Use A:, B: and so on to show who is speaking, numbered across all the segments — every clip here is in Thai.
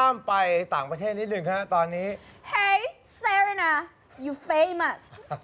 A: ามไปต่างประเทศนิดหนึ่งฮะตอนนี้
B: Hey Serena you famous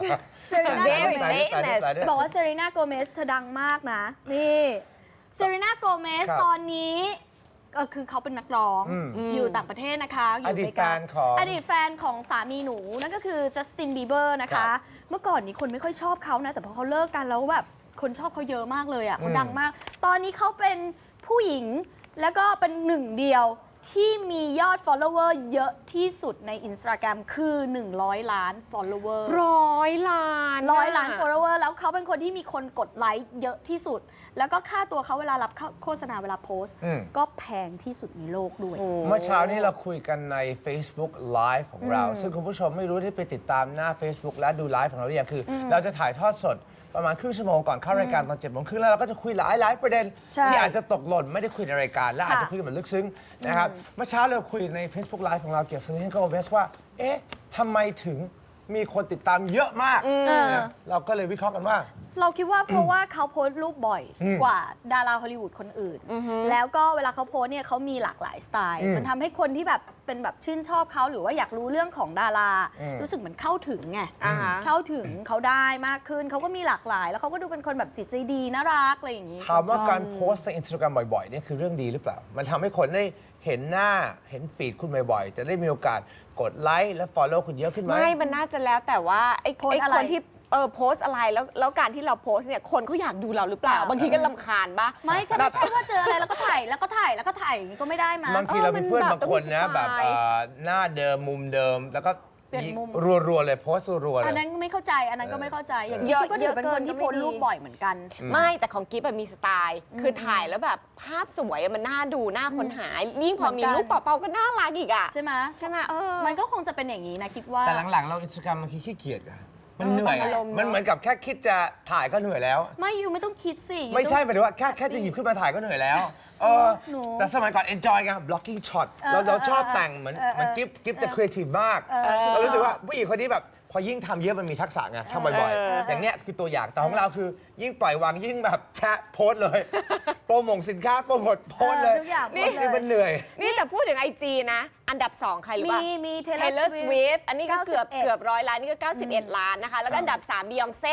B: Serena
C: Very
B: Gomez
C: famous
B: บอกว่า Serena Gomez เธอดังมากนะ นี่ Serena Gomez
A: ครับ
B: ตอนนี้ก็คือเขาเป็นนักร้องอยู่ต่างประเทศนะคะอยู่
A: อดีต
B: อเมริกา
A: แฟนของ
B: อดีตแฟนของสามีหนู นั่นก็คือจัสตินบีเบอร์นะ
A: ครั
B: คะ
A: บ
B: เมื่อก่อนนี้คนไม่ค่อยชอบเขานะ แต่พอเขาเลิกกันแล้วแบบคนชอบเขาเยอะมากเลยอ่ะเขาดังมาก ตอนนี้เขาเป็นผู้หญิงแล้วก็เป็นหนึ่งเดียวที่มียอด follower เยอะที่สุดใน Instagram คือ 100 ล้าน follower
C: 100 ล้าน
B: 100 ล้าน follower แล้วเขาเป็นคนที่มีคนกดไลค์เยอะที่สุด แล้วก็ค่าตัวเขาเวลารับโฆษณาเวลาโพสต์ ก็แพงที่สุดในโลกด้วย
A: เมื่อเช้านี้เราคุยกันใน Facebook Live ของเรา ซึ่งคุณผู้ชมไม่รู้ที่ไปติดตามหน้า Facebook และดูไลฟ์ของเราหรือยังคือ เราจะถ่ายทอดสดประมาณครึ่งชั่วโมงก่อนเข้ารายการตอน7 โมงครึ่งแล้วเราก็จะคุยหลายประเด็น
B: ใช่
A: ที่อาจจะตกหล่นไม่ได้คุยในรายการ และอาจจะคุยกันแบบลึกซึ้งนะครับเมื่อเช้าเราคุยใน Facebook Live ของเราเกี่ยวกับ Selena Gomez ว่าเอ๊ะทำไมถึงมีคนติดตามเยอะมากนะเราก็เลยวิเคราะห์กันว่า
B: เราคิดว่าเพราะว่าเขาโพสต์รูปบ่อยกว่าดาราฮอลลีวูดคนอื่น แล้วก็เวลาเขาโพสต์เนี่ยเขามีหลากหลายสไตล์ มันทำให้คนที่แบบเป็นแบบชื่นชอบเขาหรือว่าอยากรู้เรื่องของดารา รู้สึกเหมือนเข้าถึงไง เข้าถึงเขาได้มากขึ้น เขาก็มีหลากหลาย แล้วเขาก็ดูเป็นคนแบบจิตใจดีน่ารักอะไรอย่างนี้
A: ถามว่าการโพสต์ใน Instagram บ่อยๆนี่คือเรื่องดีหรือเปล่า มันทำให้คนได้เห็นหน้าเห็นฟีดคุณบ่อยๆ จะได้มีโอกาสกดไลค์และ Follow คุณเยอะขึ้นไหม
C: ไม่ มันน่าจะแล้วแต่ว่าไอ้
B: โพสต์อะไร
C: คนที่โพสต์อะไรแล้วการที่เราโพสต์เนี่ยคนเขาอยากดูเราหรือเปล่า บางทีก็รำคาญปะ
B: ไม่ก็ไม่ใช่ว่าเจออะไรแล้วก็ถ่ายแล้วก็ถ่ายแล้วก็ถ่ายอย่างนี้ก็ไม่ได้มา
A: บางทีเราเป็นเพื่อน
C: มันแบบ
A: บางคนนะ
C: ต้องมีสไตล์
A: แบบหน้าเดิมมุมเดิม แล้วก็
B: เปลี่ยนมุม
A: รัวๆเลยโพสต์รัวๆเล
B: อัน
A: ย
B: นั้นไม่เข้าใจ อันนั้นก็ไม่เข้าใจ อย่าง
C: เย
B: นี้
C: อะ
B: ก็ถือเป็นคนที่
C: เยอะเกินก็
B: โพสต์รูป
C: ไม่ดี
B: บ่อยเหมือนกัน
C: ไม่แต่ของกิ๊บแบบมีสไตล์ คือถ่ายแล้วแบบภาพสวยอะมันน่าดูน่าค้นหายิ่งพอมี
B: เหมือนกัน
C: รูปเปล่าๆก็น่ารักอีกอ่ะ
B: ใช่ไหม
C: ใช่ไหม
B: มันก็คงจะเป็นอย่างนี้นะคิดว่า
A: แต่หลังๆ เรา Instagram บางทีขี้เกียจอะมันเหนื่อย
C: อารมณ์
A: มันเหมือนกับแค่คิดจะถ่ายก็เหนื่อยแล้ว
B: ไม่ยูไม่ต้องคิดสิ
A: ไม่ใช่หมายถึงว่าแค่จะหยิบขึ้นมาถ่ายก็เหนื่อยแล้ว
B: หนู
A: แต่สมัยก่อน enjoy ไง blocking shot เราชอบแต่งเหมือนกิฟจะ creative มากเรารู้สึกว่าผู้หญิงคนนี้แบบพอยิ่งทำเยอะมันมีทักษะไงทำบ่อยๆ อย่างเนี้ยคือตัวอย่างแต่ของเราคือยิ่งปล่อยวางยิ่งแบบแชะโพสต์เลย โปรโมทสินค้าโปรโมทโพสต์เลย
B: ทุกอย่างหมดเลย
A: นี่มันเหนื่อย
C: นี่แต่พูดถึงไอจีนะ อันดับ 2 ใครรู้ป่ะ
B: มี
C: Taylor
B: Taylor
C: Swift อันนี้ก็เกือบ
B: 91
C: 100 ล้าน นี่ก็ 91 ล้านนะคะ แล้วก็อันดับ 3 Beyoncé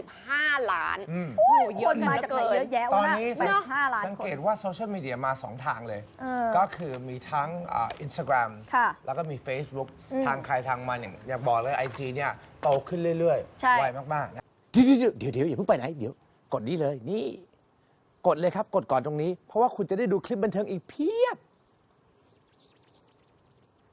C: 85 ล้าน
B: โอ้ย
C: เย
B: ค
C: อะ
B: นมาจากไหนเยอะแยะ
A: ตอ
B: วะ
A: น
B: นะ
A: นี้
B: 85 ล้าน
A: สัง
B: คน
A: เกตว่าโซเชียลมีเดียมา 2 ทางเลย
B: เออ
A: ก็คือมีทั้งInstagram
B: ค่ะ
A: แล้วก็มี Facebook ทางใครทางมันอย่างอยากบอกเลย IG เนี่ยโตขึ้นเรื่อย
B: ใช่
A: ๆ ไวมากๆนะ
D: เดี๋ยวอย่าเพิ่งไปไหน เดี๋ยวกดนี้เลยนี่ กดเลยครับ กดก่อนตรงนี้ เพราะว่าคุณจะได้ดูคลิปบันเทิงอีกเพียบ